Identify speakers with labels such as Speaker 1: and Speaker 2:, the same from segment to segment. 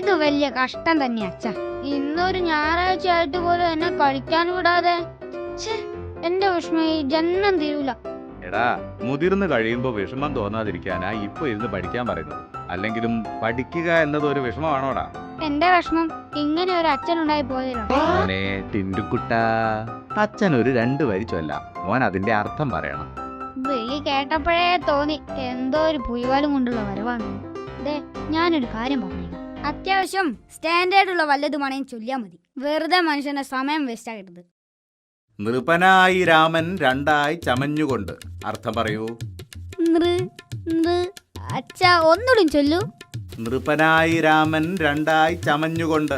Speaker 1: ഇത് വലിയ കഷ്ടം തന്നെയാ അച്ഛ. ഇന്നൊരു ഞായറാഴ്ച ആയിട്ട് പോലും എന്നെ കളിക്കാൻ വിടാതെ. എന്റെ വിഷമം ഈ ജന്മം തീരൂല.
Speaker 2: എടാ, മുതിർന്നു കഴിയുമ്പോ വിഷമം തോന്നാതിരിക്കാനാ ഇപ്പൊ ഇരുന്ന് പഠിക്കാൻ പറയുന്നത്. അല്ലെങ്കിലും പഠിക്കുക എന്നത് ഒരു വിഷമമാണോടാ?
Speaker 1: എന്റെ വിഷമം ഇങ്ങനെ ഒരു അച്ഛനുണ്ടായി പോയതിലോ.
Speaker 2: മോനെ ടിൻഡുക്കുട്ട, അച്ഛൻ ഒരു 2 വരി ചൊല്ലാം. മോൻ അതിന്റെ അർത്ഥം പറയണം.
Speaker 1: വിളി കേട്ടപ്പോഴേ തോന്നി എന്തോ ഒരു പുലിവാലും കൊണ്ടുള്ള വരവാണ്. ഞാനൊരു കാര്യം പറഞ്ഞേക്കാം. അത്യാവശ്യം സ്റ്റാൻഡേർഡുള്ള വല്ലതുമാണെങ്കിൽ ചൊല്ലിയാൽ മതി. വെറുതെ മനുഷ്യന്റെ സമയം വേസ്റ്റ് ആകരുത്.
Speaker 2: നൃപനായി രാമൻ 2 ചമഞ്ഞുകൊണ്ട്. അർത്ഥം പറയൂ.
Speaker 1: അച്ഛാ ഒന്നുകൂടി ചൊല്ലൂ.
Speaker 2: നൃപനായി രാമൻ 2 ചമഞ്ഞുകൊണ്ട്.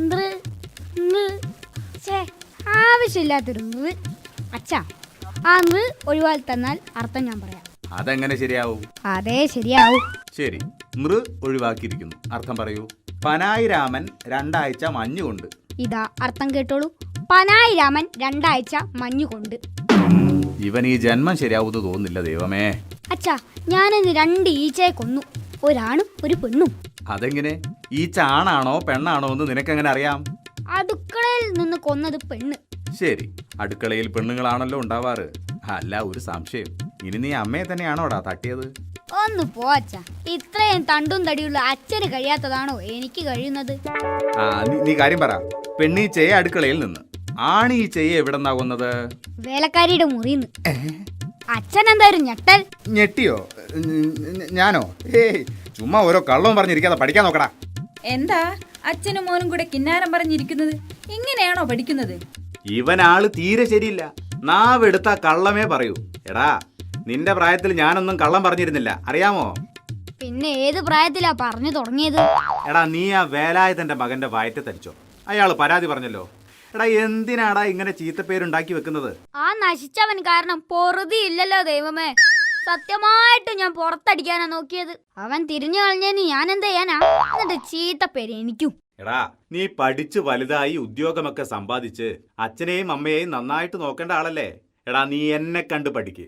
Speaker 1: ആവശ്യമില്ലാത്തൊരു അച്ഛാ, ആ ഒഴിവാക്കി തന്നാൽ അർത്ഥം ഞാൻ പറയാം.
Speaker 2: അതെങ്ങനെ ശരിയാവും?
Speaker 1: അതേ ശരിയാവൂ.
Speaker 2: ശരി, നൃ ഒഴിവാക്കിയിരിക്കുന്നു. അർത്ഥം പറയൂ. പനായി രാമൻ 2 മഞ്ഞുകൊണ്ട്.
Speaker 1: ഇതാ അർത്ഥം കേട്ടോളൂ. പനായി രാമൻ 2 മഞ്ഞുകൊണ്ട്.
Speaker 2: ഇവൻ ഈ ജന്മം ശരിയാവുമെന്ന് തോന്നുന്നില്ല ദൈവമേ.
Speaker 1: അച്ഛാ, ഞാനിന്ന് 2 ഈച്ചയെ കൊന്നു. ഒരാണും ഒരു പെണ്ണും.
Speaker 2: അതെങ്ങനെ? ഈച്ച ആണാണോ പെണ്ണാണോ എന്ന് നിനക്കെങ്ങനെ അറിയാം?
Speaker 1: അടുക്കളയിൽ നിന്ന് കൊന്നത് പെണ്ണ്.
Speaker 2: ശരി, അടുക്കളയിൽ പെണ്ണുങ്ങളാണല്ലോ ഉണ്ടാവാറ്. അല്ല, ഒരു സംശയം. ഇനി നീ അമ്മയെ തന്നെയാണോടാ തട്ടിയത്?
Speaker 1: ഒന്ന് പോ അച്ഛാ. ഇത്രയും തണ്ടും തടിയുള്ള അച്ഛന് കഴിയാത്തതാണോ എനിക്ക് കഴിയുന്നത്?
Speaker 2: നീ കാര്യം പറ. പെണ്ണീച്ചയെ അടുക്കളയിൽ നിന്ന്, ആണീച്ചയെ എവിടെന്നാ കൊന്നത്?
Speaker 1: വേലക്കാരിയുടെ മുറിന്ന്. അച്ഛൻ എന്തായാലും ഞെട്ടൽ.
Speaker 2: ഞെട്ടിയോ? ഞാനോ? ചുമ്മാ ഓരോ കള്ളവും പറഞ്ഞിരിക്കാതെ പഠിക്കാൻ നോക്കടാ.
Speaker 3: എന്താ അച്ഛനും മോനും കൂടെ കിന്നാരം പറഞ്ഞിരിക്കുന്നത്? ഇങ്ങനെയാണോ പഠിക്കുന്നത്?
Speaker 2: ഇവനാള് തീരെ ശരിയില്ല. നാവെടുത്ത കള്ളമേ പറയൂ. എടാ, നിന്റെ പ്രായത്തിൽ ഞാനൊന്നും കള്ളം പറഞ്ഞിരുന്നില്ല, അറിയാമോ?
Speaker 1: പിന്നെ ഏത് പ്രായത്തിലാ പറഞ്ഞു തുടങ്ങിയത്?
Speaker 2: എടാ, നീ ആ വേലായുധന്റെ മകന്റെ വയറ്റ് തരിച്ചോ? അയാള് പരാതി പറഞ്ഞല്ലോ. എടാ, എന്തിനാടാ ഇങ്ങനെ ചീത്തപ്പേരുണ്ടാക്കി വെക്കുന്നത്?
Speaker 1: ആ നശിച്ചവൻ കാരണം പൊറുതി ഇല്ലല്ലോ ദൈവമേ. സത്യമായിട്ട് ഞാൻ പുറത്തടിക്കാനാ നോക്കിയത്. അവൻ തിരിഞ്ഞു കളഞ്ഞതിന് ഞാൻ എന്ത് ചെയ്യാനാ? എന്നിട്ട് ചീത്തപ്പേര് എനിക്കും.
Speaker 2: എടാ, നീ പഠിച്ച് വലുതായി ഉദ്യോഗമൊക്കെ സമ്പാദിച്ച് അച്ഛനെയും അമ്മയെയും നന്നായിട്ട് നോക്കേണ്ട ആളല്ലേ? എടാ, നീ എന്നെ കണ്ട് പഠിക്ക്.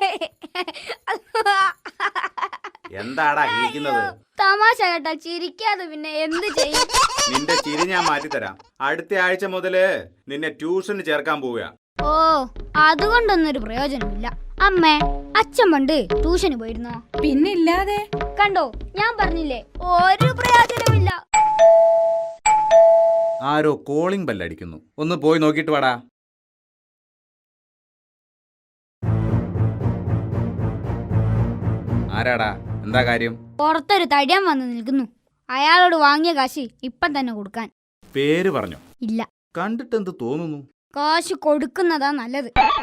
Speaker 2: എന്താടാ ഇരിക്കുന്നത്?
Speaker 1: തമാശ കേട്ടാ ചിരിക്കാതെ പിന്നെ എന്ത് ചെയ്യും?
Speaker 2: നിന്റെ ചിരി ഞാൻ മാറ്റിത്തരാം. അടുത്ത ആഴ്ച മുതല് നിന്നെ ട്യൂഷന് ചേർക്കാൻ പോവുക.
Speaker 1: ഓ, അതുകൊണ്ടൊന്നൊരു പ്രയോജനമില്ല. അമ്മേ, അച്ഛൻ പണ്ട് ട്യൂഷന് പോയിരുന്നോ?
Speaker 3: പിന്നില്ലാതെ.
Speaker 1: കണ്ടോ, ഞാൻ പറഞ്ഞില്ലേ ഒരു പ്രയോജനമില്ല.
Speaker 2: ആരോ കോളിംഗ് ബെല്ലടിക്കുന്നു. ഒന്ന് പോയി നോക്കിയിട്ട് വാടാ. ആരാടാ? എന്താ കാര്യം?
Speaker 1: പുറത്തൊരു തടിയൻ വന്ന് നിൽക്കുന്നു. അയാളോട് വാങ്ങിയ കാശ് ഇപ്പം തന്നെ കൊടുക്കാൻ.
Speaker 2: പേര് പറഞ്ഞോ?
Speaker 1: ഇല്ല.
Speaker 2: കണ്ടിട്ട് എന്ത് തോന്നുന്നു?
Speaker 1: കാശ് കൊടുക്കുന്നതാ നല്ലത്.